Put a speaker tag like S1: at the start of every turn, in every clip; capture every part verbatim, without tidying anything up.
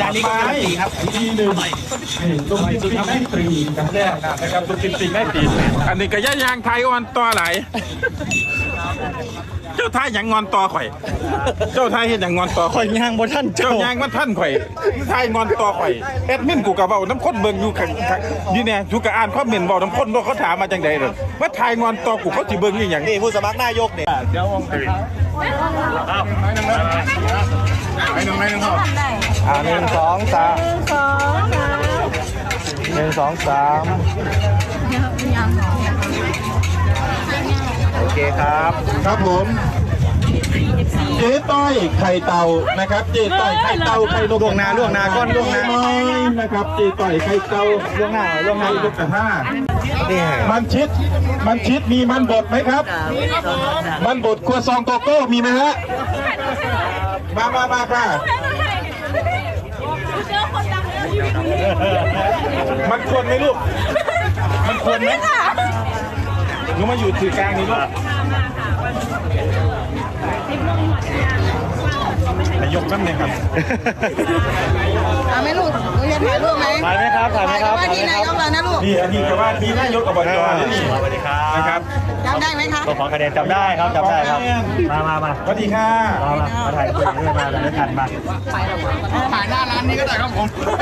S1: อันนี้ก็การันตีครับทีหนึ่งตรงที่ทำให้ตรีกันแรกนะครับตรงที่สิ่งได้ตีอันนี้ก็ย่ายางไทยอ่อนต่อไหลเจ้าไทยอย่างงอนต่อข่อยเจ้าไทยเห็นอย่างงอนต่อข่อย
S2: ยางบนท่าน
S1: เจ้ายางมันท่านข่อยไทยงอนต่อข่อยแอดมินกูกับเบาน้ำข้นเบิ่งอยู่ขังนี่แน่อยู่กับอ่านข้อเมนเบาน้ำข้นว่าเขาถามมาจังใดเลยว่าไทยงอนต่อกูเขาจีเบิ่งนี่อย่าง
S2: นี่ผู้สมัครนายกเนี่ยเดี๋ยววงตื่นไปหนึ่งไปหนึ่งครับอ่าหนึ่งสองสามหนึ่งสองสามโอเคครับ
S3: ครับผมเจ๊ต้อยไข่เต่านะครับเจ๊ต้อยไข่เต่าไข่นก
S2: ล่วงหน้าล่วงหน้าก้อนล่วงหน้า
S3: น้อยนะครับเจ๊ต้อยไข่เต่า
S2: ล่วงหน้าล่วงหน้า
S3: ไข่นกกระห้า
S2: นี่
S3: มันชิดมันชิดมีมันบดไหมครับ มันบดครัวซองโกโก้มีไหมฮะมามามาค่ะมันควรไหมลูกมันควรไหมหนูมาอยู่ถือกลางนี่ลูก
S1: นายกนั่นเองครับ
S4: เอาไหมลูกหนูจะถ่ายรูปไหม
S2: ถ่ายไหมครับถ่ายไหมครับ
S4: ว่าที่นายกเรานะลูก
S3: นี่อันนี้ก็ว่ามีนายกอบจนี่
S2: สวัสดีครับ
S3: นะครับ
S4: จำได้ไหมคะ
S2: ตัวของคะแนนจำได้ครับจำได้ครับมามามา
S3: สวัสดีค่ะ
S2: มามามาถ่ายรูปด้วยมาด้วยกันมา
S4: ถ่ายหน้าร้านนี้ก็ได้ครับผม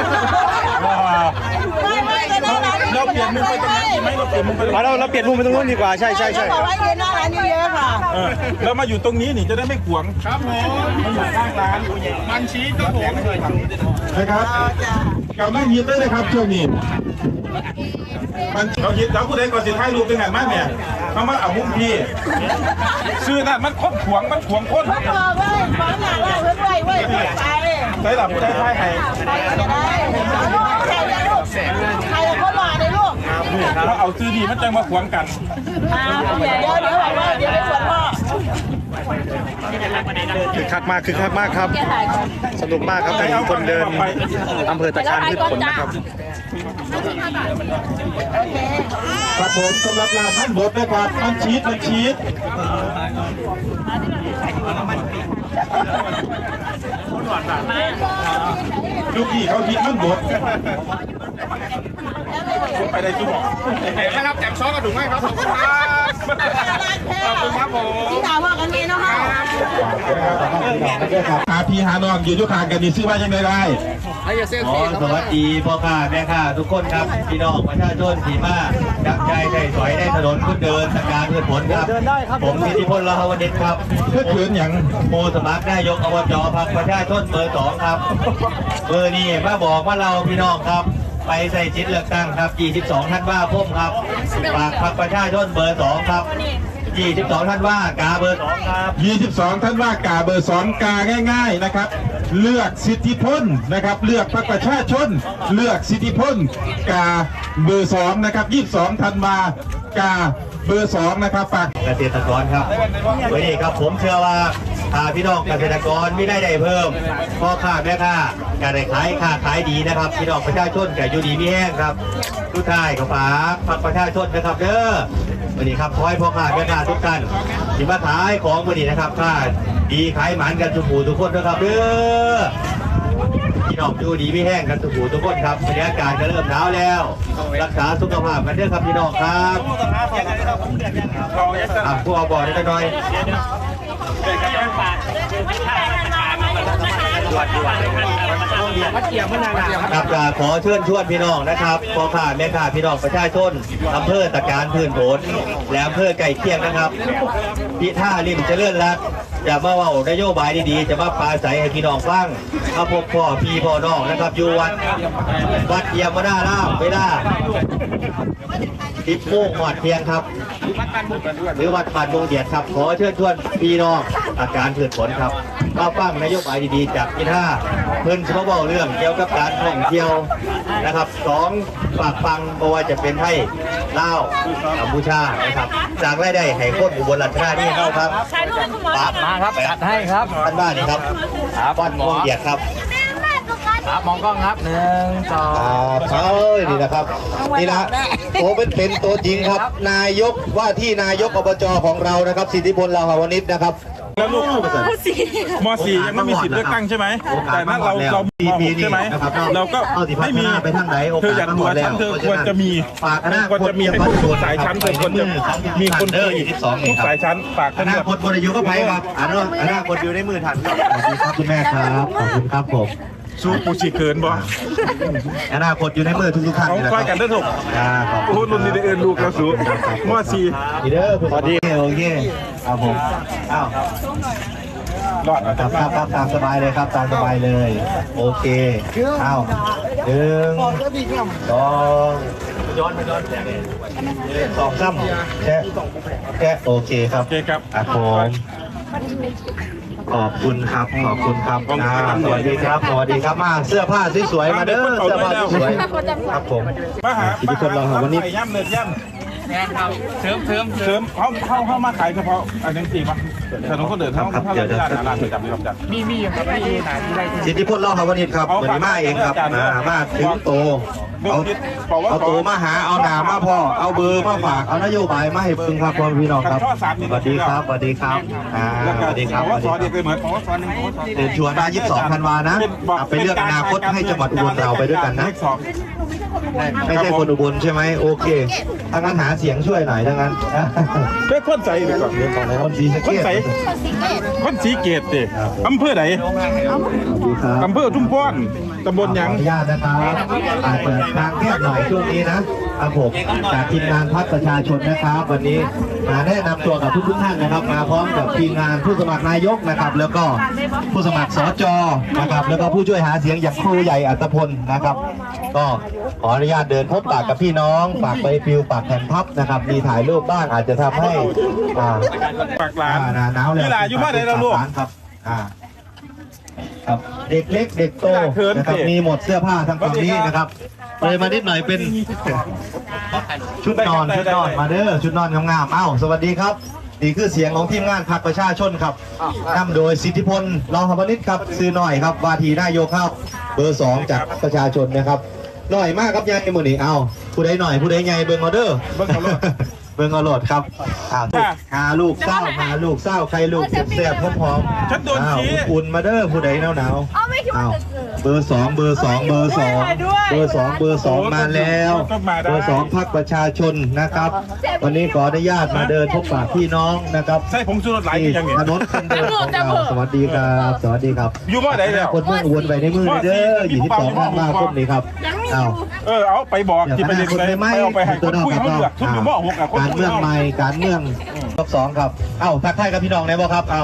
S4: ไม่ไม่ก็หน้าร้านนี้
S3: เราเปลี่ยนมุมไปตรงนั้นดีไหมเราเปลี่ยนมุมไปตรง
S2: มา
S3: นั้น
S2: เราเราเปลี่ยนมุมไปตรงนู้นดีกว่าใช่ใช่ใช่
S4: บอกว่ายืนหน้าร้านเยอะๆค่ะ
S3: เออเรามาอยู่ตรงนี้นี่จะได้ไม่ขวางครับผมมาอยู่ข้างร้านมันชี้ก็ผมนะครับกำลังฮิตด้วยนะครับช่วงนี้มันเราฮิตแล้วผู้ใดก่อนสิท้ายรูปเป็นไงมากเนี่ยมามาเอามุมพี่ชื่อนั่นมันค้นขวางมันขวางค้น
S4: บอกเลยฟังหนักว่าเพื่อนไว้เว้ยไป
S3: ใส่หลับผู้ใดท้ายให้
S4: ไปจะได้ใครจะลูกใครจะคนหล่อเลยลูก
S3: เราเอาซื้อดีมันจะมาขวางกัน
S4: เดี๋ยวเดี๋ยวเดี๋ยวบอกว่าเดี๋ยวไปสวนพ่อ
S2: คึกคักมากคึกคักมากครับ สนุกมากครับทั้งคนเดินอำเภอตะการพืชผลนะครับ
S3: ครับผมสำหรับร้านท่านบดนะครับมันชีสมันชีสลูกพี่เขาคิดมันบดไปได้จุ๊บนะครับแจกซอสกระดูกไหมครับขอบคุณครับขอบคุณครับผม
S4: ที่ถามว่ากันนี้เนาะค่ะ
S3: หาพี่หาน้องอยู่ทุกทางกันนี่ซื้อว่ายังไงได้
S5: ขอสวัสดีพ่อค้าแม่ค้าทุกคนครับพี่น้องประชาชนที่มาจับใจได้สอยได้ถนนคนเดินสการพืชผลครับผมพิธิพลลาหวณิชครับ
S3: เพื่อขืนอย่าง
S5: โมสมัครนายกอบจพรรคประชาชนเบอร์สองครับเบอร์นี้มาบอกว่าเราพี่น้องครับไปใส่จิตเลือกตั้งครับยี่สิบสองท่านว่าพุ่มครับฝากพรรคประชาชนเบอร์สองครับยี่สิบสองท่านว่ากาเบอร์สองครับ
S3: ยี่สิบสองท่านว่ากาเบอร์สองกาง่าย ๆนะครับ เลือกสิทธิพลนะครับเลือกพรรคประชาชน เลือกสิทธิพลกาเบอร์สองนะครับยี่สิบสองท่านมากาเบอร์สองนะครับฝาก
S5: เกษตรกรครับวันนี้ครับผมเชื่อว่าถ้าพี่น้องเกษตรกรไม่ได้ได้เพิ่มพ่อค้าแม่ค้าการได้ขายค้าขายดีนะครับพี่น้องประชาชนแก่อยู่ดีมีแห้งครับทุกท่ายกับฝากฝากประชาชนนะครับเด้อวันนี้ครับขอให้พ่อค้าแม่ค้าทุกท่านที่มาขายของวันนี้นะครับค่าดีขายหมันกันทุกผู้ทุกคนนะครับเด้อพี่น้องอยู่ดีไม่แห้งกันทุกผู้ทุกคนครับบรรยากาศก็เริ่มหนาวแล้วรักษาสุขภาพกันเด้อครับพี่น้องครับอ่ะผู้เอาบ่อได้หน่อยครับขอเชิญชวนพี่น้องนะครับพ่อค้าแม่ค้าพี่น้องประชาชนอำเภอตะการพื้นผลและอำเภอไก่เคียงนะครับพิท่าริมเจริญรัตน์จะมาเว่านโยบายดีๆจะมาปราศัยให้พี่น้องฟังมาพบพ่อพี่พ่อน้องนะครับอยู่วัดวัดเยี่ยมนาร่ามเวลาทิพโมงหอดเพียงครับหรือวัดป่านวงเดียดครับขอเชิญชวนพี่น้องอาการพืชผลครับมาฟังนโยบายดีๆจากพิท่าเพิ่นจะมาบอกเรื่องเกี่ยวกับการท่องเที่ยวนะครับสองฝากฟังเพราะว่าจะเป็นให้เล่ากัมพูชานะครับจากรายได้ให้คนอุบลราชธานีเข้าครับปากมาครับจัดให้ครับท่านบ้านนี่ครับวัดวงเดียดครับครับมองกล้องครับหนึ่งสองเขานี่นะครับนี่นะตัวเป็นเป็นตัวจริงครับนายกว่าที่นายกอบจของเรานะครับสิทธิพลลาหวณิชนะครับ
S1: แล้วลูกมสี่ยังไม่มีสิทธิ์เลือกตั้งใช่ไหมแต่นั้นเราเรามหกใช่ไหมเราก็ไม่มีเธออยากตัวฉันเธอควรจะมีควรจะมีให้ทุกสายชั้นเธอควรจะมีคนคุยทุกสายชั้นฝาก
S5: อ
S1: ท่าน
S5: นา
S1: ด้วย
S5: คตบริยุก็ไปครับอนาคตอนาคตอยู่ในมือท่านครับสวัสดีครับคุณแม่ครับขอบคุณครับผม
S1: สู้ปูชีเกินบ่
S5: อนาคตอยู่ในมือทุกๆท่าน
S1: เอา
S5: นะ
S1: ค
S5: ค
S1: อยกัน
S5: รับ
S1: ได้ถูก
S5: อ่าขอบ
S1: โอ้
S5: คุณ
S1: รุ่นนี้ได้เอินลูกแล้วสู้มสี่
S5: ดีเด้อสวัสดีโอเคครับผมอ้าว
S1: รอด
S5: ครับครับครับตามสบายเลยครับตามสบายเลย โอเคอ้าวหนึ่งสองย้อนไปย้อนแสงสองซ้ำแค่แค่โอเคครับ
S1: โอเคครับ
S5: อ่ะผมขอบคุณครับขอบคุณครับอ่าสวัสดีครับสวัสดีครับมาเสื้อผ้าสวยๆมาเด้อเสื้อผ้าสวยๆครับผม
S1: มาหา
S5: ที่ทุกคนรอครับวันนี้
S1: ย่ำเนินย่ำเสริมเสริมเสริมเขาเขาเขามาขายเฉพาะอันนี้จริงปะถนนคนเดินเขาเขาเดินร้านร้านจับจับจับมีมีครับมีหนาที่ไร
S5: สิทธิพลรอครับวันนี้ครับวันนี้มาเองครับมามาถึงโตเอาเอาโตมาหาเอาหนามาพ่อเอาเบอร์มาฝากเอานโยบายมาให้เบิ่งครับพ่อพี่น้องครับสวัสดีครับสวัสดีครับอ่าสวัสดีครับสวัสดี
S1: สอนเด็ก
S5: ครับ
S1: เลยเหมือนของสอนหนึ่งของสอน
S5: เชิญชวนมายี่สิบสองธันวานะเอาไปเลือกอนาคตให้จังหวัดอุบลเราไปด้วยกันนะไม่ใช่คนอุบลใช่ไหมโอเคถ้างั้นหาเสียงช่วยหน่อยถ้างั้น
S1: เพื่อคนใส่ไปก่อน
S5: คนสีสะ
S1: คน
S5: เกษ
S1: ใส่คนสีเกตดิอำเภอไหน
S5: สวัสดีครับ
S1: อำเภอทุ่งพ้อนตำบลหยัง
S5: ขออนุญาตนะครับอาจเปิดทางแคบหน่อยช่วงนี้นะครับผมจากทีมงานพรรคประชาชนนะครับ วันนี้มาแนะนำตัวกับทุกทุกๆท่านนะครับ มาพร้อมกับทีมงานผู้สมัครนายกนะครับ แล้วก็ผู้สมัครสจนะครับ แล้วก็ผู้ช่วยหาเสียงอย่างครูใหญ่อัตพลนะครับ ก็ขออนุญาตเดินพบปากกับพี่น้องฝากใบปลิวฝากแผ่นพับนะครับ มีถ่ายรูปบ้างอาจจะทำให้อ่า
S1: ปากหลาน
S5: อ่าหนาวแล้ว
S1: นี่หลานอยู่บ้านไหนเราลูก
S5: ครับอ่าครับเด็กเล็กเด็กโตนะครับมีหมดเสื้อผ้าทั้งฝั่งนี้นะครับเลยมานิดหน่อยเป็นชุดนอนชุดนอนมาเด้อชุดนอนงามๆเอ้าสวัสดีครับนี่คือเสียงของทีมงานพรรคประชาชนครับนำโดยสิทธิพลรองธรรมนิตครับซื้อหน่อยครับวาทีนายกครับเบอร์สองจากประชาชนนะครับหน่อยมากครับยายมือนี่เอ้าผู้ใดหน่อยผู้ใดใหญ่เบิ่งออเดอร์
S1: เบิ่งเอาโลด
S5: เบิ่งเอาโหลดครับอ่าหาลูกเศร้าหาลูกเศร้าใครลูกแซ่บๆพร้อมๆ
S1: ฉันโดนชี้
S5: อ้าวอุ่นมาเด้อผู้ใดหนาวหนาวๆ
S4: เอาไม่คิดว่า
S5: อ้าว
S4: จะเกิด
S5: เบอร์สองเบอร์สองเบอร์สองเบอร์สองเบอร์สองมาแล้ว เบอร์สองพรรคประชาชนนะครับ วันนี้ขออนุญาตมาเดินพบปะพี่น้องนะครับ
S1: ใส่ผงชูรสหลาย
S5: ที่
S1: อย่างนี้
S5: ถนนคนเดินของเราสวัสดีครับสวัสดีครับ
S1: อยู่บ่ไหนแล้ว
S5: คนเมืองอุบลไปในมือเด้ออยู่ที่สองมากคมนี้ครับอ้าว
S1: เออเอาไปบอก
S5: เดี๋ยว
S1: ที่ไปเรียน
S5: คน
S1: ไป
S5: ไม่
S1: เอาไปให้ค
S5: ตัวน นอก
S1: คุย
S5: ครับ
S1: เขาเลือกทุกอยู่หม้อหกอะคน
S5: การ
S1: คุย
S5: เมือง
S1: เขา
S5: ใหม่การเมืองรอบสองครับเอ้าทักทายกับพี่น้องได้บ่ครับเอ้า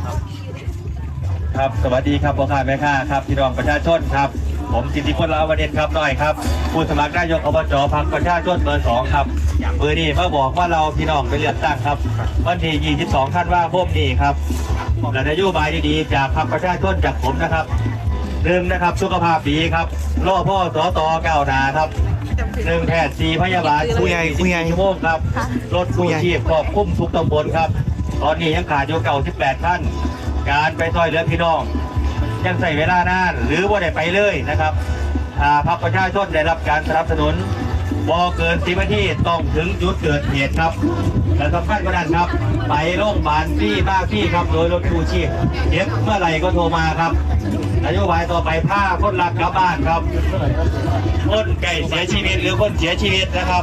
S6: ครับสวัสดีครับพ่อค้าแม่ค้าครับพี่น้องประชาชนครับผมสิทธิพลลาวเดชครับหน่อยครับผู้สมัครนายกอบจพรรคประชาชนเบอร์สองครับเบอร์นี้มาบอกว่าเราพี่น้องไปเลือกตั้งครับวันที่ยี่สิบสองธันวาคมนี้ครับและนโยบายดีๆจากพรรคประชาชนจากผมนะครับหนึ่งนะครับสุขภาพดีครับรอพ่อสอตอก้าวหน้าครับหนึ่งแพทย์สี่พยาบาล
S2: ผู้ใหญ่ผู้ใหญ่
S6: ชั่วโมงครับรถกู้ชีพครอบคลุมทุกตำบลครับตอนนี้ยังขาดอยู่เก่าสิบแปดท่านการไปซอยเหลือพี่น้อง ยังใส่เวลานานหรือว่าได้ไปเลยนะครับถ้าพรรคประชาชนได้รับการสนับสนุนบ่เกินสิบนาทีต้องถึงจุดเกิดเหตุครับและสำคัญกว่านั้นครับ ไปโรงพยาบาลที่บ้าที่ครับโดยรถกู้ชีพเจ็บเมื่อไหร่ก็โทรมาครับนโยบายต่อไปผ้าคนรักกลับบ้านครับคนไก่เสียชีวิตหรือคนเสียชีวิตนะครับ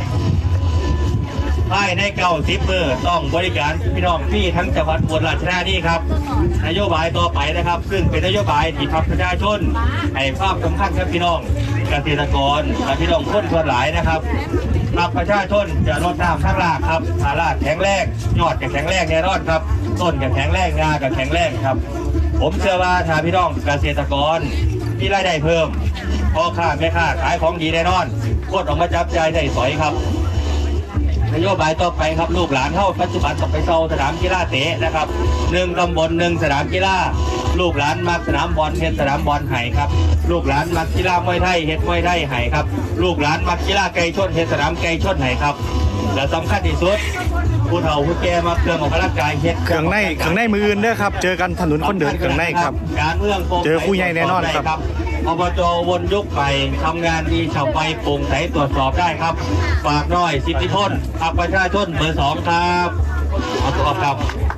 S6: ภายในเก้าสิบมือต้องบริการพี่น้องพี่ทั้งจังหวัดอุบลราชธานีครับนโยบายต่อไปนะครับ ซึ่งเป็นนโยบายที่พรรคประชาชนให้ความสำคัญกับพี่น้องเกษตรกรและพี่น้องคนส่วนหลายนะครับพรรคประชาชนจะลดน้ำข้างรากครับหารากแข็งแรงยอดจะแข็งแรงแน่นอนครับต้นจะแข็งแรงงาจะแข็งแรงครับ ผมเชื่อว่าถ้าพี่น้องเกษตรกรมีรายได้เพิ่มพ่อค้าแม่ค้าขายของดีแน่นอนโคตรออกมาจับใจายได้สอยครับนโยบายต่อไปครับลูกหลานเข้าปัจจุบันต้องไปเซาสนามกีฬาเตะนะครับหนึ่งตำบลหนึ่งสนามกีฬาลูกหลานมักสนามบอลเฮ็ดสนามบอลไห่ครับลูกหลานมักกีฬามวยไทยเฮ็ดมวยไทยไห่ครับลูกหลานมักกีฬาไก่ชนเฮ็ดสนามไก่ชนไห่ครับและสำคัญที่สุดผู้เฒ่าผู้แก่มาเครื่องออกกำลังกายเฮ็ด
S2: เครื่องในเครื่องในมืออื่นเด้อครับเจอกันถนนคนเดินเครื่องในครับ
S6: การเมืองโปร่งใส
S2: เจอผู้ใหญ่แน่นอนครับ
S6: อบจวนยุคใหม่ทำงานดีชาวไปโปร่งใสตรวจสอบได้ครับฝากน้อยสิทธิพลพรรคประชาชนเบอร์สองครับเอาตัวครับ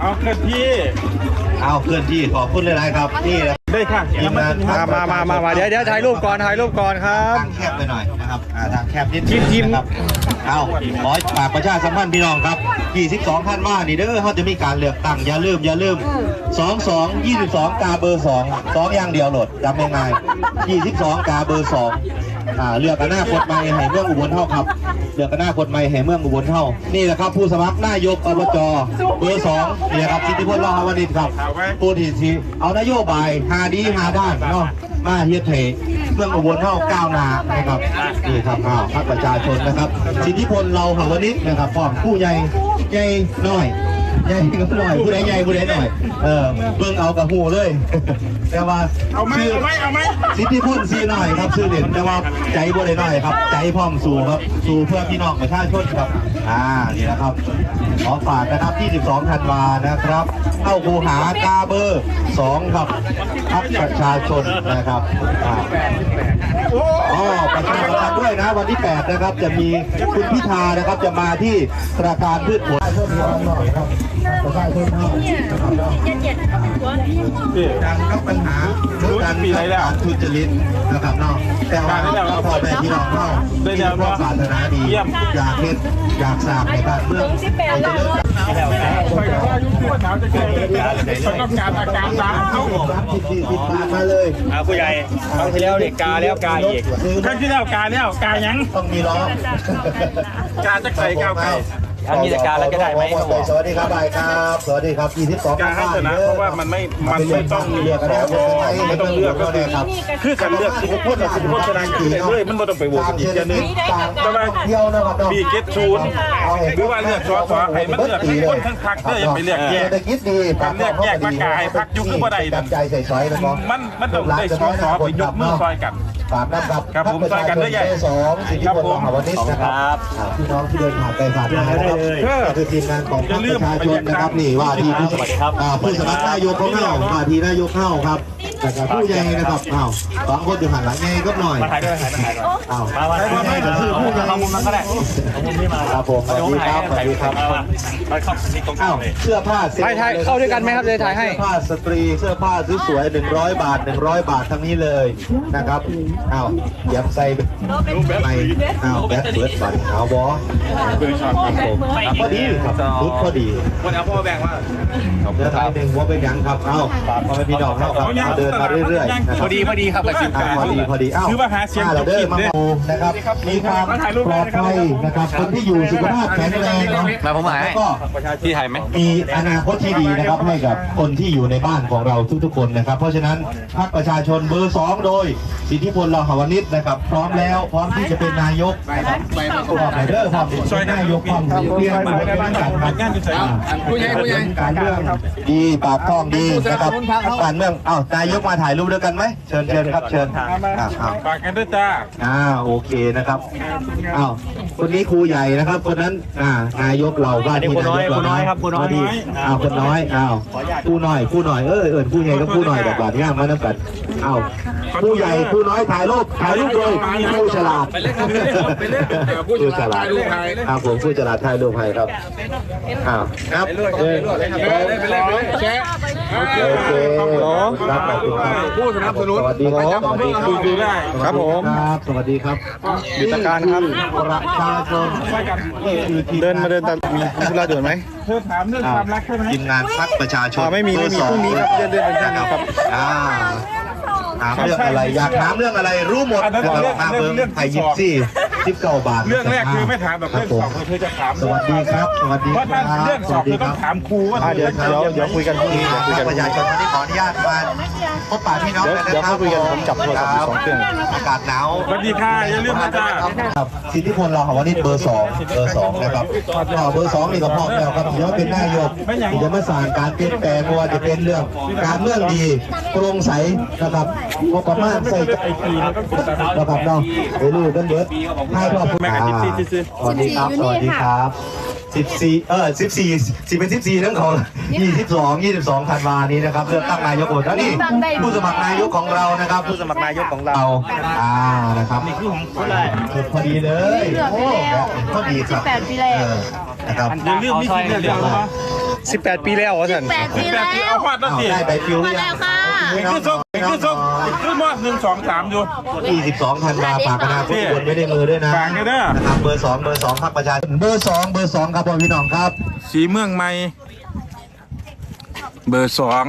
S1: เอาเคลื่อนที่
S5: เอาเคลื่อนที่ขอบคุณหลายๆครับนี่นะ
S1: ได้ค่ะ
S5: ทีมงาน
S2: มามามามามาเดี๋ยวเดี๋ยวถ่ายรูปก่อนถ่ายรูปก่อนครับ
S5: ทางแคบไปหน่อยนะครับอ่าทางแคบนิด
S2: ทีมทีม
S5: นะครับเอาขอฝากประชาสัมพันธ์พี่น้องครับยี่สิบสองท่านว่านี่เด้อเขาจะมีการเลือกตั้งอย่าลืมอย่าลืมสอง สอง ยี่สิบสองกาเบอร์สองสองอย่างเดียวโหลดจำง่ายๆยี่สิบสองกาเบอร์สองอ่าเลือกกันหน้าคนใหม่แห่เมืองอุบลเท่าครับเลือกกันหน้าคนใหม่แห่เมืองอุบลเท่านี่แหละครับผู้สมัครนายกอบจเบอร์สองนี่แหละครับสิทธิพลรอดวณิชครับผู้ที่สิเอานโยบายหาดีหาด้านเนาะมาเฮ็ดให้เมืองอุบลเท่าก้าวหน้านะครับนี่ครับอ้าวพรรคประชาชนนะครับสิทธิพลเราหาวนิชนะครับพร้อมผู้ใหญ่ใหญ่น้อยใหญ่ก็หน่อยผู้ใดใหญ่ผู้ใดหน่อยเออเบิ่งเอากับหูเลยแต่ว่า
S1: เอาไหมเอาไหมเอาไหม
S5: สิทธิพลซีหน่อยครับชื่อเด่นแต่ว่าใจบ่ได้หน่อยครับใจพร้อมสู้ครับสู้เพื่อพี่น้องประชาชนครับอ่านี่นะครับขอฝากนะครับที่สิบสองธันวานะครับเข้าคูหากาเบอร์สองครับพรรคประชาชนนะครับอ่าอ๋อประชาสัมพันธ์ด้วยนะวันที่แปดนะครับจะมีคุณพิธานะครับจะมาที่ธนาคารพืชผลประชาชนดังกับปัญหาการมีอะไรแล้วทุจริตนะครับเนาะแต่ว่าเราพอแม่พี่น้องเราได้แนวปรารถนาดีอยากเห็นอยากสร้างในบ้านเมืองให้เจริญ
S1: คอยว่ายุ่งที่ว่าหนาวจะเกิดคนต้องการอาการตามเขา
S5: รับสิบสี่สิบบาทมาเลย
S2: อ่าผู้ใหญ่ครั้งที่แล้วเด็กกาแล้วกาอีก
S1: ครั้งที่แล้วกาแล้วกายัง
S5: ต้องมีล้อก
S1: าจะใส่ก้าวไก่
S2: ถ้ามีแต่กาแล้วจะได้ไหมครับผม
S5: สวัสดีครับบายครับสวัสดีครับยี่สิบสอง
S1: กาให้ชนะเพราะว่ามันไม่มันไม่ต้องมี
S5: เลือก
S1: ส
S5: แล้ว
S1: วไม่ต้องเลือกก็คือคือการเลือกสิบคนกับสิบคนชนะกี่เลยมันไม่ต้องไปโหวตอีกอย่างนึงแต่ว่า
S5: เที่ยวนะครับ
S1: บีเกตชูนหรือว่าเลือกสอสอให้มันเลือกทั้งคนทั้งพรรคเพื่ออย่าไปเลือกแยก
S5: เศรษฐกิจดี
S1: การเลือกแยกมากายพรรคยุคคือบ่ได้นั่น
S5: ใจใส่ซอยแล้วก็
S1: มันมันต้องได้สอสอไปยกมือซอยกัน
S5: ฝากนะครับ
S1: ครับผมซอยกันด้วยใหญ่
S5: สองสิทธิพลมหาวนิชนะครับพี่น้องที่เดินผ่านไปผ่านมานะครับคือทีมงานของพรรคประชาชนนะครับนี่ว่าที่ผู้สมัครอ่าผู้สมัครนายกของเราว่าที่นายกเข้าครับแต่กับผู้ใหญ่นะครับอ้าวสองคนอยู่หันหลังไงก็หน่อย
S2: มาถ่ายด้วยถ่ายด้วยถ่ายด้วย
S5: อ้าว
S2: มามาถ่ายด้วย
S5: ก็คือผู้ใหญ่
S2: เอามุมนั้นก็ได้เอามุมนี้มา
S5: ครับผมสวัสดีครับสวัสดีครับ
S2: มามาเข้านี่ตรงกลา
S5: อ้าง ว
S2: เลย
S5: เสื้อผ้า
S2: ถ่ายถ่ายเข้าด้วยกันไหมครับเลยถ่ายให้
S5: เสื้อผ้าสตรีเสื้อผ้าสวยๆหนึ่งร้อยบาทหนึ่งร้อยบาททั้งนี้เลยนะครับอ้าวเดี๋ยวใส่ไปอ้าวแบทเบิร์ดบัตรขาวบอครับผมพอดีครับรุดพอดี
S2: วันเอาพ่อแบ่งว่า
S5: เดินทางหนึ่งว่าเป็นยังครับเอ้าฝากพ่อแม่พี่น้องเข้าครับเดินมาเรื่อยๆนะครับ
S2: พอดีพอดีครับกับสิบ
S5: อ่าพอดีพอดีอ้าว
S1: คือว่าหาเสียง
S5: เราเดินมา
S1: เนี่ย
S5: ดูนะครับมีความปลอดภัยนะครับคนที่อยู่สุขภาพแข็งแรงเนาะ
S2: มาผมหาย
S5: แล้วก็
S2: ที่ถ่ายไหม
S5: มีอนาคตที่ดีนะครับให้กับคนที่อยู่ในบ้านของเราทุกๆคนนะครับ เพราะฉะนั้นพรรคประชาชนเบอร์สองโดยสิทธิพลลาหวนิชนะครับ พร้อมแล้วพร้อมที่จะเป็นนายกนะครับพร้อมไปเด้อพร้อมเป็นนายกพร้อมเรียนมาเป็นการงานผู้ใหญ่ผู้ใหญ่การเมืองดีปากท้องดีนะครับการเมืองอ้าวนายกมาถ่ายรูปด้วยกันไหมเชิญเชิญครับเชิญอ่าอ้าว
S1: ฝากกันด้วยจ้า
S5: อ่าโอเคนะครับอ้าวคนนี้ครูใหญ่นะครับ คนนั้นอ่านายกเราว่าที่นายกเรานะพอดีอ้าวคนน้อยอ้าวผู้น้อยผู้น้อยเออเออผู้ใหญ่ก็ผู้น้อยแบบบาดง่ามมาน้ำกันอ้าวผู้ใหญ่ผู้น้อยถ่ายรูปถ่ายรูปโดยผู้ฉลาดผู้ฉลาดครับผมผู้ฉลาดถ่ายรูปให้ครับอ้าวครับโอเคครับผู้สนับสนุนสวัสดีครับสวัสดีครับ
S1: ดูได้
S2: ครับผม
S5: ครับสวัสดีครับ
S2: ยุทธการครับ
S5: ประชาชนนี่คือทีม
S2: เดินมาเดินตามมีมีธุระด่วนไหม
S1: เธอถามเรื่องความรักใช่ไหม
S5: ทีมงานพรรคประชาชน
S2: อ่าไม่มีไม่มีพรุ่งนี้ครับเลื่อนเลื่อนเป็นพรุ่งนี้ครับ
S5: อ่าถามเรื่องอะไรอยากถามเรื่องอะไรรู้หมดนะครับมาเบิ้งไทยยิปซี่สิบเก้าบาท
S1: เรื่องแรกคือไม่ถามแบบเรื่องสองเธอจะถาม
S5: สวัสดีครับ สวัสดี
S1: เพราะ
S5: ครั
S1: ถ้า
S5: บ
S1: เรื่อง
S5: ส
S1: สอ
S5: วั
S1: บ
S5: ส
S1: เธ
S5: ดี
S1: อ
S5: ค
S1: ต้อ
S5: รั
S1: ง
S5: บ
S1: ถามครูว่า
S2: อ่าเดี๋ยวเดี๋ยวเดี๋ยวคุยกันพรุ่งนี้เดี๋ยวคุยกัน
S5: ประชาชนวันนี้ขออนุญาตมาพบปะพี่น้องกัน
S2: เดี๋ยว
S5: นะครับ
S2: เดี๋ยวคุยกันผมจับโทรศัพท์อยู่สองเครื่อง
S5: อากาศหนาว
S1: สวัสดีค่ะอย่าลืมนะจ๊ะ
S5: ครับสิทธิพลเราหาวันนี้เบอร์สองเบอร์สองนะครับก็เบอร์สองนี่ก็พร้อมแล้วครับเดี๋ยวเป็นนายกที่จะมาสร้างการเปลี่ยนแปลงไม่ว่าจะเป็นเรื่องการเมืองดีโปร่งใสนะครับงบประมาณใส่ใจนะครับเนาะไปรู้กันเยอะให้ครอบครัวสวัสดีครับสวัสดีครับสิบสี่เออสิบสี่สิบเป็นสิบสี่ทั้งของยี่สิบสองยี่สิบสองธันวานี้นะครับเลือกตั้งนายกโอดแล้วนี่ผู้สมัครนายกของเรานะครับผู้สมัครนายกของเราอ่านะครับนี่คือของคนแรกพอดีเลยโอ้พอดีครับ
S4: แปดปีแล้ว
S5: เออนะครับ
S1: อย่าลืมนี่คือเรื่องเดียวนะ
S2: สิบแปดปีแล้ววะท่าน
S4: แปดปี
S1: แบ
S4: แล้
S1: บที่
S4: ว
S1: เอาพาดแล้ว
S5: เอา
S1: สิ
S5: ได้ใบปลิวห
S4: มา
S5: รือยั
S4: แล้
S5: ง
S4: วค่ะ
S1: อีกคือส่งอีกคือส่งอีกคือมอหนึ่งสองสามอยู่
S5: ยี่สิบสองธันวาฝากคณะผู้บนไว้ในมือด้วยนะ
S1: ฝากด้วยนะ
S5: นะครับเบอร์สองเบอร์สองพรรคประชาชนเบอร์สองเบอร์สองครับพ่อพี่น้องครับ
S1: สีเมืองใหม่เบอร์สอง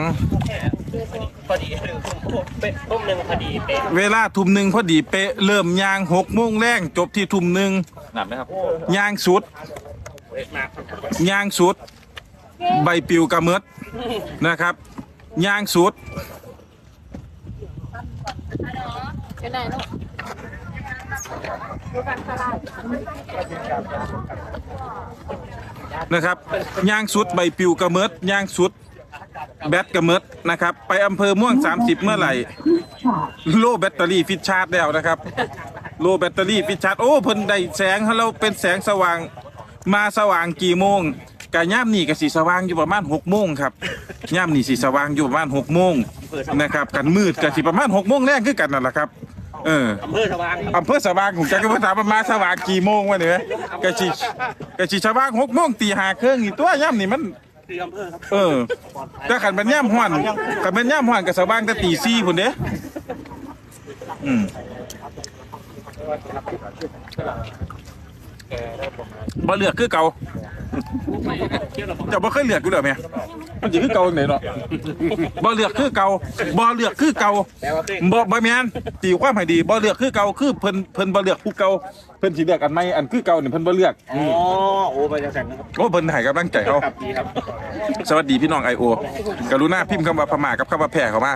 S1: เวลาทุ่มหนึ่งพอดีเป๊ะเริ่มยางหกโมงแรงจบที่ทุ่มหนึ่งหนักไหมครับยางสุดยางสุด ใบปลิวกระเมิดนะครับยางสุดนะครับยางสุดใบปลิวกระเมิดยางสุดแบตกระเมิดนะครับไปอำเภอม่วงสามสิบเมื่อไหร่โลแบตเตอรี่ฟิตชาร์จแล้วนะครับโลแบตเตอรี่ฟิตชาร์จโอ้เพิ่นได้แสงให้เราเป็นแสงสว่างมาสว่างกี่โมงกะย่ามนี่กะสีสว่างอยู่ประมาณหกโมงครับย่ามนี่สีสว่างอยู่ประมาณหกโมงนะครับกันมืดกะสีประมาณหกโมงแรกคือกันนั่นแหละครับเอออำเภอสว่างอำเภอสว่างผมจะก็มาถามประมาณสว่างกี่โมงวะเนี่ยกะสีกะสีสว่างหกโมงตีห้าครึ่งนี่ตัวย่ามนี่มันเออถ้าขันเป็นย่ามห้อนขันเป็นย่ามห้อนกับสว่างแต่ตีสี่พุ่นเด้อืมบ่เลือกคือเก่าจะบ่เคยเลือกกูเด้อแม่มันสิคือเก่าจังได๋เนาะบ่เลือกคือเก่าบ่เลือกคือเก่าบ่บ่แม่นตีความให้ดีบ่เลือกคือเก่าคือเพิ่นเพิ่นบ่เลือกผู้เก่าเพิ่นสิเลือกอันใหม่อันคือเก่านี่เพิ่นบ่เลือกอ๋อโอ้ไปจังซั่นนะครับโอ้เพิ่นให้กำลังใจเฮาครับดีครับสวัสดีพี่น้อง ไอ โอ กรุณาพิมพ์คำว่าพม่ากับคำว่าแพร่เข้ามา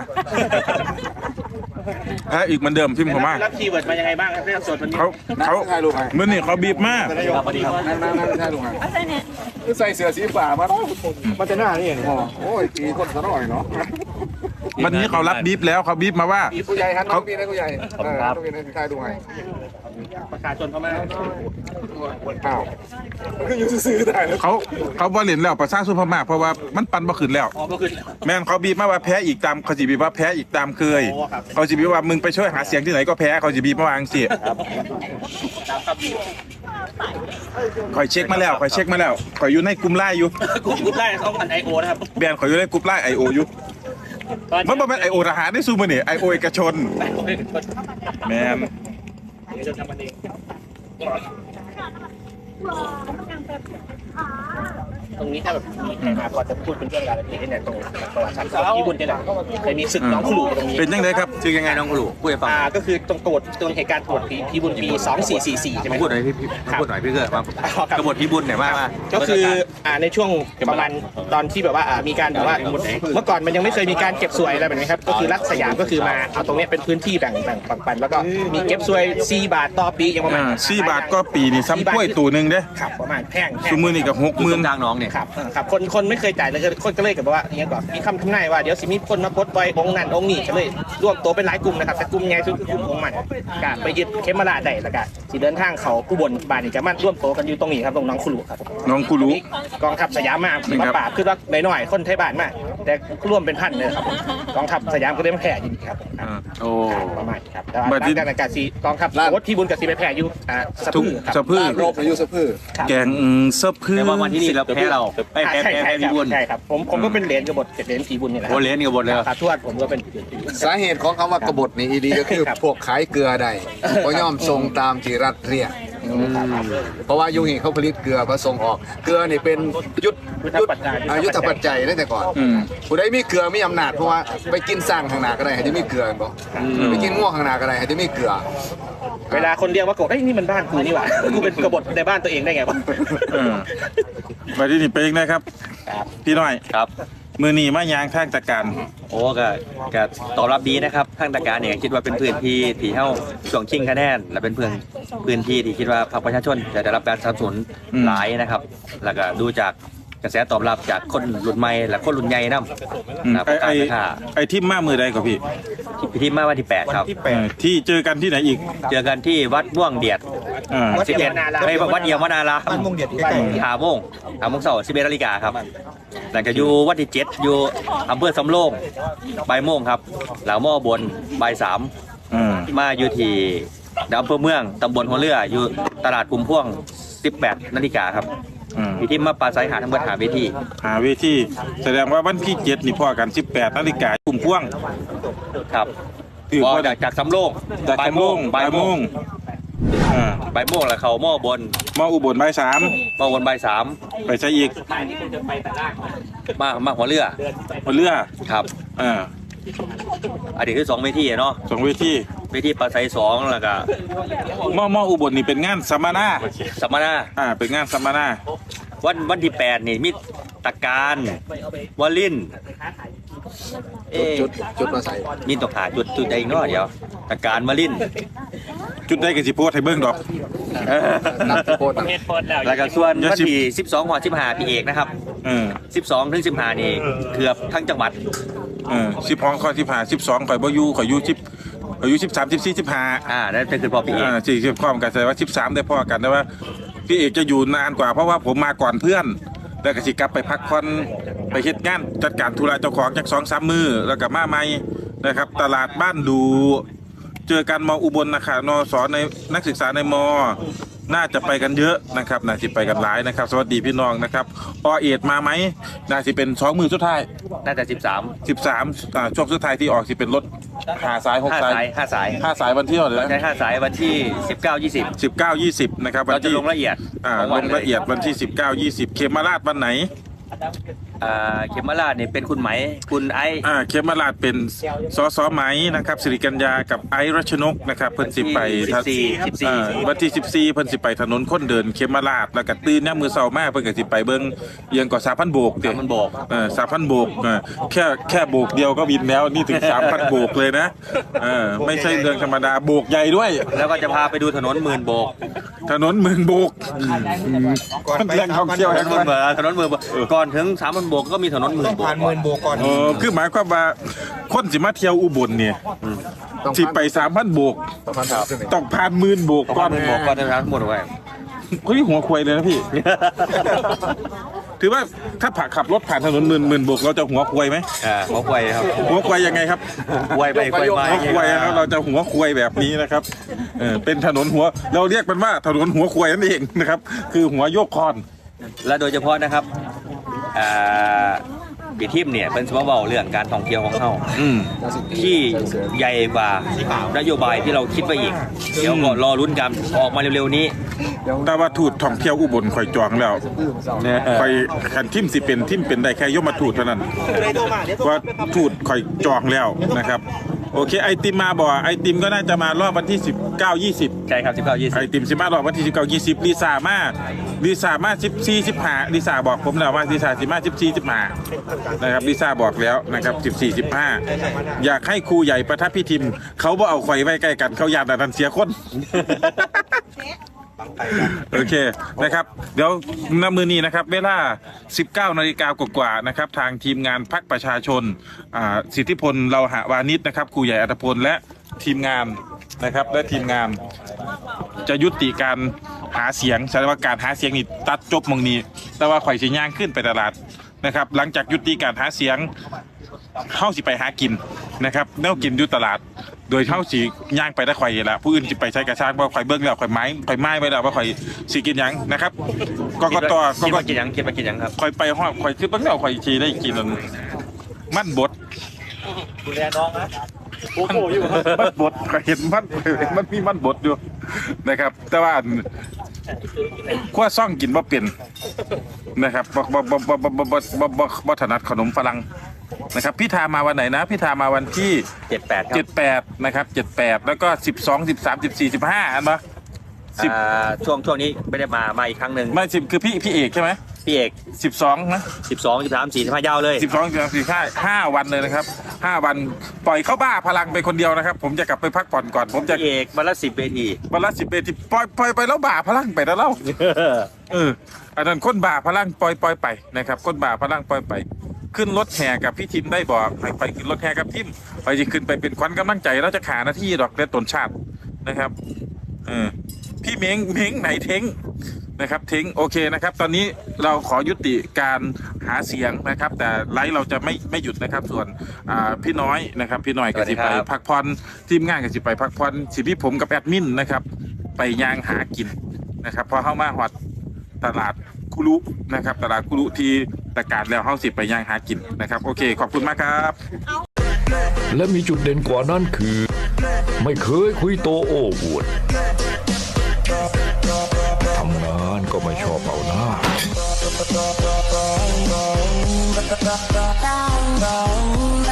S1: ถ้าอีกเหมือนเดิมพิมพ์เข้ามารับคีย์เวิร์ดมายังไงบ้างครับเรื่องสดวันนี้เขาเขามื้อนี้เขาบีบมา
S7: ใส่เสื้อสีฟ้ามามันจะหน้านี่เองพ่อโอ้ยตีคนซะหน่อยเนาะ
S1: วันนี้เขารับบีบแล้วเขาบีบมาว่า
S7: ผู้ใหญ่ฮันน้องพี่นะผู้ใหญ่ครับต้องเป็นให้ทายดูให้
S6: ประชาชนเขามา
S7: อ้าวคืออยู่ซื้อได้แล้ว
S1: เขาเขาบ่เล่นแล้วประชาชนพม่าเพราะว่ามันปันบ่ขึ้นแล้ว
S6: อ๋อก็คือ
S1: แม่นเขาบีบมาว่าแพ้อีกตามเขาสิบีบว่าแพ้อีกตามเคยเขาสิบีบว่ามึงไปช่วยหาเสียงที่ไหนก็แพ้เขาสิบีบมาวาจังสิคอยเช็คมาแล้วคอยเช็คมาแล้วคอยอยู่ในกลุ่มไลน์อยู่
S6: กลุ่มกลุ่มไล่เขาผ่านไอโอนะครับ
S1: แบรนด์คอยอยู่ในกลุ่มไลน์ ไอ โอ อยู่มันบ่แม่น ไอ โอ ทหารได้สู้มื้อนี่ ไอ โอ เอกชนแม่น
S6: จะทำมันเองตรงนี้ถ้าแบบมีใครมาพอจะพูดเป็นเรื่องราวแบบนี้เนี่ยตรงประวัติศาสตร์ของญี่ปุ่นเนี่ยแหละเคยมีศึกน้องขลุ่ตรงนี้
S1: เป็นจังไดครับ
S6: ชื่อยังไงน้องขลุ่พูดให้ฟังอ่าก็คือตรงตรวจตรงเหตุการณ์ตรวจผีผีบุญปีสองสี่สี่สี่ใช่ไหมพูดหน่อยพี่พูดหน่อยพี่เกิดว่ากบฏผีบุญเนี่ยว่าก็คืออ่าในช่วงประมาณตอนที่แบบว่ามีการแบบว่าเมื่อก่อนมันยังไม่เคยมีการเก็บสวยอะไรแบบนี้ครับก็คือรัฐสยามก็คือมาเอาตรงนี้เป็นพื้นที่แบ่งแบ่งปันแล้วก็มีเก็บสวยสี่บาทต่อปีอย่างประมาณ
S1: อ่าสี่บาทก็ปีนี่ซ้ำกล้วยตู่นึงเด้
S6: ครับประมาณแพง
S1: ซุมื้อนี่ก็หกหมื่น
S6: ทางน้องเนี่ยครับครับคนคนไม่เคยจ่ายเลยคนก็เลยกับว่าอย่างนี้ก่อนมีคำทำนายว่าเดี๋ยวสิมีคนมาปลดปล่อยองค์นั้นองค์นี้ก็เลยรวมตัวเป็นหลายกลุ่มนะครับแต่กลุ่มใหญ่สุดคือกลุ่มองค์มันกะไปยึดเขมราชได้แล้วก็สิเดินทางเขาผู้บนบานนี่จะมาร่วมตัวกันอยู่ตรงนี้ครับตรงน้องคุรุครับ
S1: น้องกูรู้
S6: กองทัพสยามมามาปราบคือว่าน้อยๆคนไทยบ้านมากแต่ร่วมเป็นพันเลยครับกองทัพสยามก็ได้มาแผ่อยู่นี่ครับ
S1: อ่าโอ้
S6: ประมาณครับแต่ว่าการการการสีกองทัพรถที่บุญกับสีไปแผ่อยู่อ่าสะ
S1: ทุก
S6: พื้ครับ
S1: สะพื้อ
S7: โรคอายุสะพื้อ
S1: แกงสะพื้อ
S6: แต่ว่าวันที่นี่เราแพ้เราไปแพ้แพ้แพ้ผีบุญใช่ครับผมผมก็เป็นเหรียญกบฏเหรียญผีบุญนี่แหละโอ้เหรียญกบฏเลยครับทวดผมก็เป็น
S7: สาเหตุของคำว่ากบฏนี่อีดีก็คือพวกขายเกลือใดก็ย่อมทรงตามที่รัฐเรียกเพราะว่ายุคนี้เขาผลิตเกลือมาส่งออกเกลือนี่เป็นยุทธยุทธยุทธปัจจัยตั้งแต่ก่อนผู้ใดมีเกลือมีอำนาจเพราะว่าไปกินสร้างข้างหน้าก็ได้ให้ได้มีเกลือบ่ไปกินง่วงข้างหน้าก็ได้ให้ได้มีเกลือ
S6: เวลาคนเรียกว่ากบเอ้ยนี่มันบ้านกูนี่หว่ากูเป็นกบฏในบ้านตัวเองได้ไงวะ
S1: เออไปที่นี่ไปอีกนะครับ พี่น้อย
S8: ครับ
S1: มือนีมายางทางจัดการ
S8: โอ้ก็ก็ตอบรับดีนะครับทางตะการเนี่ยคิดว่าเป็นพื้นที่ที่เฮาช่วงชิงคะแนนและเป็นพื้นพื้นที่ที่คิดว่าพรรคประชาชนจะได้รับการสนับสนุน
S1: อืม
S8: หลายนะครับ แล้วก็ดูจากกระแสตอบรับจากคนรุ่นใหม่และคนรุ่นใหญ่นำ
S1: อืม
S8: นะ
S1: ไอไอ
S8: การค่ะ
S1: ไอทิมมามือใดกับพี่
S8: พิธีมาวันที่แปดครับ
S1: เออที่เจอกันที่ไหนอีก
S8: เจอกันที่วัดม่วงเดียด
S1: อ่า
S8: สิบเอ็ดไม่วัดเดียววนารามบ้านม่วงเดียดใกล้ๆหาโมงหาโมงเสาร์สิบเอ็ดนาฬิกาครับหลังจากอยู่วัดที่เจ็ดอยู่อำเภอสำโรงบ่ายโมงครับหลังหม้อบนบ่ายสาม
S1: อ่า
S8: มาอยู่ที่อำเภอเมืองตำบลหัวเรืออยู่ตลาดกุมพ่วงสิบแปดนาฬิกาครับ
S1: อืม
S8: พี่ทิมมาปลาไซหาทั้งหมดหาเวที
S1: หาเวทีแสดงว่าวันที่เจ็ดนี่พ่อกันสิบแปดนาฬิกาคุ่มพ่วง
S8: ครับ
S1: ถือ
S8: พอ
S1: ว่า
S8: จากจากสำโรง
S1: จาก
S8: บ่าย
S1: สำ
S8: โม
S1: โรง
S8: ง
S1: บ่ายโมงอ่า
S8: บ่ายโมงแล้วเขาหม้อบน
S1: มาอุบลบ่ายสาม
S8: หม้อบนบ่ายสาม
S1: ไปใช้อีก
S8: มามาหัวเรือ
S1: บนเรือ
S8: ครับ
S1: อ่า
S8: อันนี้คือสองเวทีอะเนาะ
S1: สองเวที
S8: เวทีปลาไซสองแล้วก็
S1: มอมออุบลนี่เป็นงานสัมมนา
S8: สัมมนา
S1: อ่าเป็นงานสัมมนา
S8: วันวันที่แปดนี่มีตะการวลินเอ๊ะ
S7: จุดจุดมาใส่
S8: มีตกหาจุดจุดใดอีกเนาะเดี๋ยวตะการวลิน
S1: จุดได้กับสิโพสให้เบิ่งดอก
S7: นับที่โพสต์นะ
S8: แล้วก็ส่วน
S1: เดี๋ยว
S8: วัน
S1: สิบ
S8: ที่สิบสองหัวสิบห้าพี่เอกนะครับ
S1: เออ
S8: สิบสองถึงสิบห้านี่เกือบทั้งจังหวัด
S1: เออสิบห้องข้อสิบห้าสิบสองข่อยบ่อยู่ข่อยอยู่สิบข่อยอยู่สิบสามสิบสี่สิบห้า
S8: อ่านั่นเป็นคือพอพี่เอก
S1: อ่าสี่สิบข้อมกันแสดงว่าสิบสามได้พ่อกันแต่ว่าพี่เอกจะอยู่นานกว่าเพราะว่าผมมาก่อนเพื่อนแล้วก็สิกลับไปพักผ่อนไปเฮ็ดงานจัดการธุระเจ้าของจากสองสามมือแล้วก็มาใหม่นะครับ ตลาดบ้านดู เจอกันมออุบลนะคะนสในนักศึกษาในมอ น่าจะไปกันเยอะนะครับน่าจะไปกันหลายนะครับ สวัสดีพี่น้องนะครับอเอ็ดมาไหมน่าจะเป็นสองมือสุดท้าย
S8: น่าจะสิบสาม
S1: สิบสามอ่าช่วงสุดท้ายที่ออกสิเป็นรถหาสายหก
S8: ห้า
S1: สาย
S8: สายห้าสาย
S1: ห้าสายวันที่เท่าไหร่
S8: เรา
S1: นะ
S8: ใช้ห้าสายวันที่สิบเก้ายี่สิบ
S1: สิบเก้ายี่สิบนะครับวั
S8: เรา
S1: น
S8: จะ
S1: ที่
S8: ลงละเอียด
S1: อ่า
S8: ของ
S1: ล
S8: วัน
S1: งละเอียดวันที่สิบเก้ายี่สิบเขมราชวันไหน
S8: อ่าเขมราชเนี่ยเป็นคุณไหมคุณไอซ์
S1: อ่าเขมราชเป็นสสไหมนะครับสิริกัญญากับไอซ์รัชนกนะครับเพิ่นสิไป
S8: สิบสี่สิบสี่
S1: อ่าวันที่สิบสี่เพิ่นสิไปถนนคนเดินเขมราชแล้วก็ตื่นเนี่ยามมือเช้ามาเพิ่นก็สิไปเบิ่งเอียงก่อสามพันโบกเด้
S8: สามพันโบก
S1: เออสามพันโบกเออแค่แค่โบกเดียวก็บินแล้วนี่ถึงสามพันโบกเลยนะเออไม่ใช่เรื่องธรรมดาโบกใหญ่ด้วย
S8: แล้วก็จะพาไปดูถนนหมื่นโบก
S1: ถนนหมื่นโบกมันแหล่งท่องเที่ยว
S8: ถ
S1: แห่ง
S8: นน
S1: วัน
S8: เบอร์ถนนหมื่นโบกก่อนถึงสามพันโบกก็มีถนนหมื่นโบก
S2: ผ่านหมื่นโบกก่อน
S1: เออคือหมายความว่าคนสิมาเที่ยวอุบลเนี่ยสิไปสามพันโบก
S7: ประมาณสามสิบเอ็ด
S1: ต้องผ่านหมื่นโบก
S8: ก่
S1: ก่
S8: อ
S1: อน น
S8: หมื่นโบกก่อนจะทั้งหมดไว้
S1: เฮ้ยหัวควายเลยนะพี่ ถือว่าถ้าผ่าขับรถผ่านถนนหมื่นหมื่นโบกเราจะหัวควายไหม
S8: อ่าหัวควายครับ
S1: หัวควายยังไงครับ
S8: ควายไปควายมา
S1: หัวควายนะครับเราจะหัวควายแบบนี้นะครับเออเป็นถนนหัวเราเรียกมันว่าถนนหัวควายนั่นเองนะครับ คือหัวโยกคอน
S8: และโดยเฉพาะนะครับอ่าปีทิมเนี่ยเป็นสมบัติเรื่องการท่องเที่ยวของเขา
S1: อืม
S8: ที่ใหญ่กว่านโยบายที่เราคิดไว้อีก เดี๋ยวก็รอรุ้นกันออกมาเร็วๆนี้
S1: แต่ว่าทูตท่องเที่ยวอุบลข่อยจองแล้วข่อยขันทิมสิเป็นทิมเป็นได้แค่ยมทูตเท่านั้นว่าทูตข่อยจองแล้วนะครับโอเคไอติมมาบ่ไอติมก็น่าจะมารอบวันที่สิบเก้า ยี่สิบ
S8: ใช่ครับสิบเก้ายี่สิ
S1: ไอบ ติมสิมารอบวันที่สิบเก้า ยี่สิบลิซ่ามาลิซ่ามาสิบสี่ สิบห้าลิซ่าบอกผมแล้วว่าลิซ่าสิมาสิบสี่ สิบห้านะครับลิซ่าบอกแล้วนะครับสิบสี่ สิบห้าอยากให้ครูใหญ่ประทับพิทิมเขาบ่เอาข่อยไว้ใกล้กันเขาอยากแต่ทันเสียคน โอเคนะครับเดี๋ยวณมือนี้นะครับเวลา สิบเก้านาฬิกากว่าๆนะครับทางทีมงานพรรคประชาชนอ่าสิทธิพลเราหาวานิชนะครับครูใหญ่อัตพลและทีมงานนะครับและทีมงานจะยุติการหาเสียงแสดงว่าการหาเสียงนี่ตัดจบมองนี้แต่ว่าข่อยสิย่างขึ้นไปตลาดนะครับหลังจากยุติการหาเสียงเข้าสิไปหากินนะครับแนวกินอยู่ตลาดโดยเข้าสีย่างไปได้ข่อยละผู้อื่นสิไปใช้กระชากว่าข่อยเบิ้งแล้วข่อยไม้ข่อยไม้ไปแล้วว่าข่อยสีกินหยังนะครับกกต
S8: คิด
S1: ก
S8: ว่ากินยังคิดว่ากินยังครับ
S1: ข่อยไปห้องข่อยคือเบิ้งแล้วข่อยชีได้กินอันมันบด
S8: ดูแลน้องนะ
S1: มันบดข่อยเห็นมันมันมีมันบดอยู่นะครับแต่ว่าขั้วซ่องกินบ่เป็นนะครับบ่บ่บ่บ่บ่บ่บ่บ่บ่ถนัดขนมฝรั่งนะครับพี่ทามาวันไหนนะพี่ทามาวันที่
S8: เจ็ดแปดครั
S1: เจ็
S8: บ
S1: ดแปดนะครับเจ็ดแปดแล้วก็สิบสองสิบสามสิบสี่สิบห้าอันปะสิบ
S8: อ่าช่วงช่วงนี้ไม่ได้มามาอีกครั้งหนึ่ง
S1: ไม่สิบคือพี่พี่เอกใช่ไหม
S8: พี่เอก
S1: สิบสองนะ
S8: สิบสองสิบสามสี่สิบห้ายาวเลย
S1: สิบสองสิบสามสี่ห้าห้าวันเลยนะครับห้าวันปล่อยเข้าบ้าพลังไปคนเดียวนะครับ ผมจะกลับไปพักผ่อนก่อน ผมจะ
S8: พี่เอกวันละสิบเวที
S1: วันละสิบเอที่ปล่อยปล่อยไปแล้วบ้าพลังไปแล้วเล่าเอออันนั้นคนบ้าพลังปล่อยปล่อยไปนะครับคนบ้าพลังปล่อยไป ขึ้นรถแห่กับพี่ทิมได้บอกไปไปขึ้นรถแห่กับทิมไปจะขึ้นไปเป็นขวัญกำลังใจแล้วจะขาหน้าที่ดอกเล็ดตนชาตินะครับเออพี่เม้งเม้งไหนเท้งนะครับเท้งโอเคนะครับ ตอนนี้เราขอยุติการหาเสียงนะครับ แต่ไลฟ์เราจะไม่ไม่หยุดนะครับ ส่วนอ่าพี่น้อยนะครับ พี่น้อยก็สิไปพักผ่อนทีมงานก็สิไปพักผ่อนสิพี่ผมกับแอดมินนะครับ ไปย่างหากินนะครับพอเข้ามาหอดตลาดคูคุรุนะครับตลาดคุรุที่ประกาศแล้วเฮาสิไปย่างหากินนะครับโอเคขอบคุณมากครับ
S9: และมีจุดเด่นกว่านั้นคือ ไม่เคยคุยโตโอ้อวดทำงานก็ไม่ชอบเอาหน้า